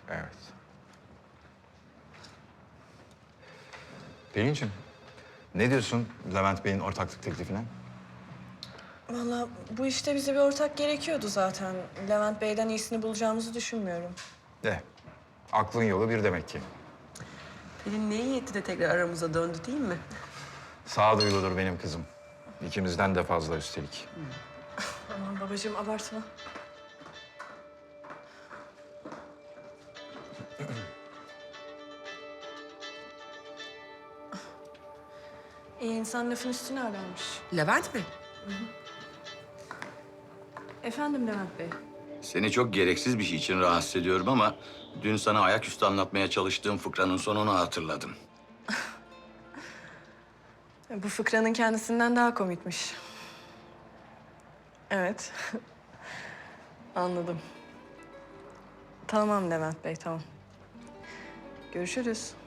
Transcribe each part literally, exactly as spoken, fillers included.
Evet. Pelin'ciğim, ne diyorsun Levent Bey'in ortaklık teklifine? Vallahi bu işte bize bir ortak gerekiyordu zaten. Levent Bey'den iyisini bulacağımızı düşünmüyorum. De, aklın yolu bir demek ki. Pelin ne iyi etti de tekrar aramıza döndü değil mi? Sağduyuludur benim kızım. İkimizden de fazla üstelik. Aman babacığım abartma. İyi insan lafın üstüne ararmış. Levent mi? Efendim Levent Bey. Seni çok gereksiz bir şey için rahatsız ediyorum ama dün sana ayaküstü anlatmaya çalıştığım fıkranın sonunu hatırladım. Bu fıkranın kendisinden daha komikmiş. Evet. Anladım. Tamam Levent Bey, tamam. Görüşürüz.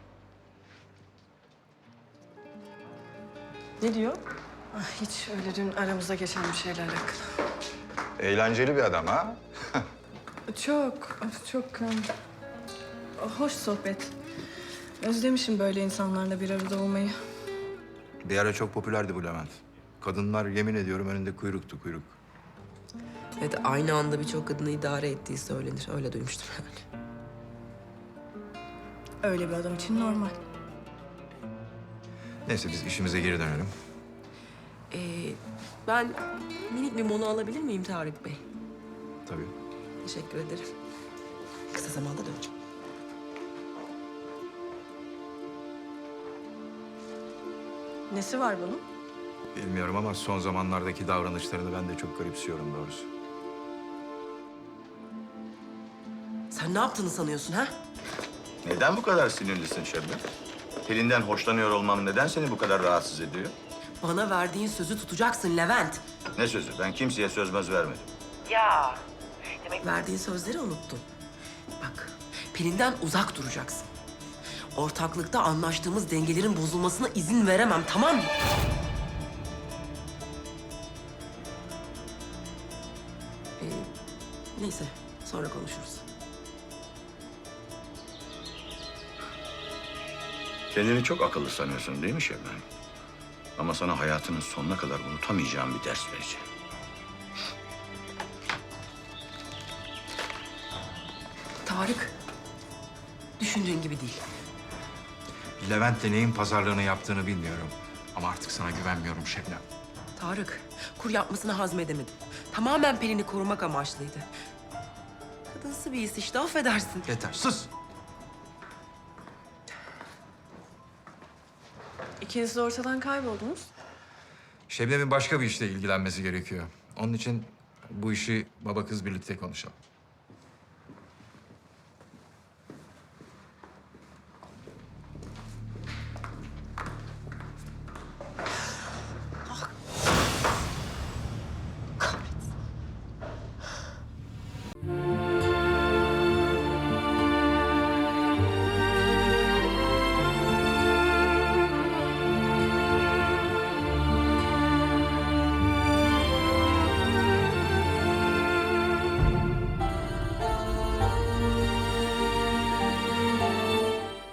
Ne diyor? Ah, hiç öyle dün aramızda geçen bir şeyle alakalı. Eğlenceli bir adam ha? Çok, çok um, hoş sohbet. Özlemişim böyle insanlarla bir arada olmayı. Bir ara çok popülerdi bu Levent. Kadınlar yemin ediyorum önünde kuyruktu kuyruk. Evet, aynı anda birçok kadını idare ettiği söylenir. Öyle duymuştum yani. Öyle bir adam için normal. Neyse biz işimize geri dönelim. Ee, ben minik bir mola alabilir miyim Tarık Bey? Tabii. Teşekkür ederim. Kısa zamanda döneceğim. Nesi var bunun? Bilmiyorum ama son zamanlardaki davranışlarını ben de çok garipsiyorum doğrusu. Sen ne yaptığını sanıyorsun ha? Neden bu kadar sinirlisin Şebnem? Pelin'den hoşlanıyor olmam neden seni bu kadar rahatsız ediyor? Bana verdiğin sözü tutacaksın Levent. Ne sözü? Ben kimseye söz möz vermedim. Ya. Demek verdiğin sözleri unuttun. Bak, Pelin'den uzak duracaksın. Ortaklıkta anlaştığımız dengelerin bozulmasına izin veremem, tamam mı? Ee, neyse, sonra konuşuruz. Kendini çok akıllı sanıyorsun değil mi Şebnem? Ama sana hayatının sonuna kadar unutamayacağım bir ders vereceğim. Tarık, düşündüğün gibi değil. Levent'le neyin pazarlığını yaptığını bilmiyorum. Ama artık sana güvenmiyorum Şebnem. Tarık, kur yapmasını hazmedemedim. Tamamen Pelin'i korumak amaçlıydı. Kadınsı bir his işte, affedersin. Yeter sus. İkiniz de ortadan kayboldunuz. Şebnem'in başka bir işle ilgilenmesi gerekiyor. Onun için bu işi baba kız birlikte konuşalım.